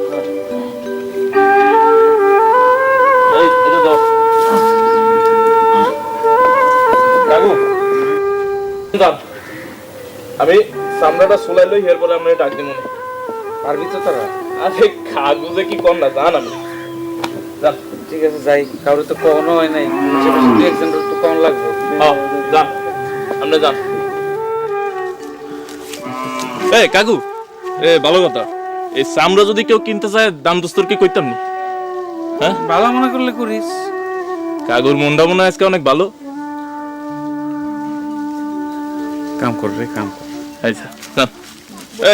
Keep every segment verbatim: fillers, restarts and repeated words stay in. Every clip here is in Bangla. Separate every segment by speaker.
Speaker 1: আমি সামনাটা সোলাই লই হের পরে আমরা ডাক দিব না পারবি তো তারা আরে কাগজে কি কম না জান আমি যান
Speaker 2: ঠিক আছে যাই কারো তো কখনো হয় নাই দুই একজন তো কম লাগবে
Speaker 1: হ্যাঁ যান আমরা যান এই কাকু এ ভালো কথা এই সামরা যদি কেউ কিনতে চায় দাম দস্তর কি কইতাম নি হ্যাঁ
Speaker 2: ভালো মনে করলে করিস
Speaker 1: কাকুর মনটা মনে আজকে অনেক ভালো
Speaker 2: কাম কর রে কাম কর
Speaker 1: আচ্ছা এই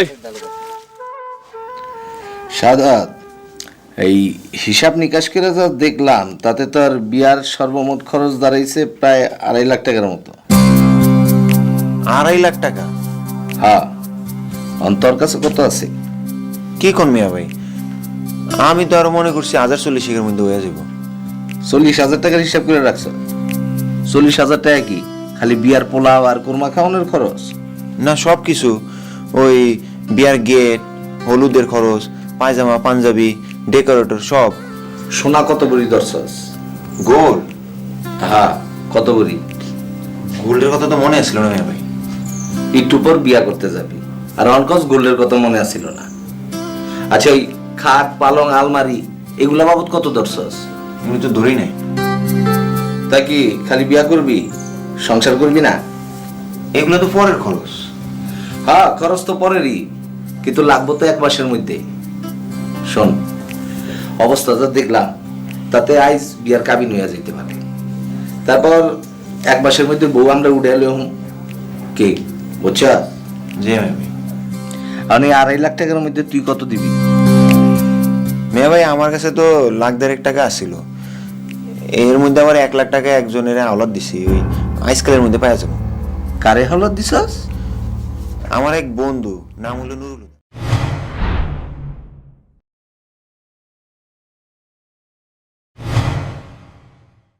Speaker 3: সাদাত এই হিসাব নিকাশ করে যা দেখলাম তাতে তো আর বিয়ার সর্বমোট খরচ দাঁড়াইছে প্রায় আড়াই লাখ টাকার মতো।
Speaker 4: আড়াই লাখ টাকা?
Speaker 3: হ্যাঁ, অন্তর কাছে কত আছে?
Speaker 4: কি কোন মিয়া ভাই, আমি তো আরো মনে করছি হাজার চল্লিশের মধ্যে হয়ে যাব।
Speaker 3: চল্লিশ হাজার টাকার হিসাব করে রাখছো? চল্লিশ হাজার টাকা কি খালি বিয়ার পোলাও আর কোরমা খাওয়ানোর খরচ?
Speaker 4: না, সব কিছু, ওই বিয়ার গেট, হলুদের খরচ, পায়জামা পাঞ্জাবি, ডেকোরেটর সব।
Speaker 3: সোনা কত বড়ি দরছস?
Speaker 4: গোল্ড?
Speaker 3: হ্যাঁ, কত বড়ি?
Speaker 4: গোল্ডের কথা তো মনে আসছিল না মিয়া ভাই।
Speaker 3: একটু পর বিয়া করতে যাবি আর অনকস গোল্ডের কথা মনে আসছিল না। আচ্ছা, ওই খাট পালং আলমারি এগুলা বাবদ কত দরছস?
Speaker 4: আমি তো ধরি নাই।
Speaker 3: তা কি খালি বিয়া করবি, সংসার করবি না?
Speaker 4: এগুলো তো পরের খরচ।
Speaker 3: হ্যাঁ, খরচ তো পরেরই, কিন্তু লাগবো তো এক মাসের মধ্যে। শোন, অবস্থা যা দেখলাম তাতে আইজ বিয়ার কাবিন হইয়া যেতে পারে। তারপর এক মাসের মধ্যে বউ আমরা উঠে এলাম কে, বুঝছা?
Speaker 4: জি ভাই।
Speaker 3: আমি আড়াই লাখ টাকার মধ্যে তুই কত দিবি?
Speaker 4: মেয়ে ভাই, আমার কাছে তো লাখ দেড়েক টাকা আসছিল, এর মধ্যে আবার এক লাখ টাকা একজনের আওলাদ দিছি, ওই আইসকালের মধ্যে পাওয়া যাবো।
Speaker 3: কারে হলত দিছস?
Speaker 4: আমার এক বন্ধু, নাম হলো নুরুল।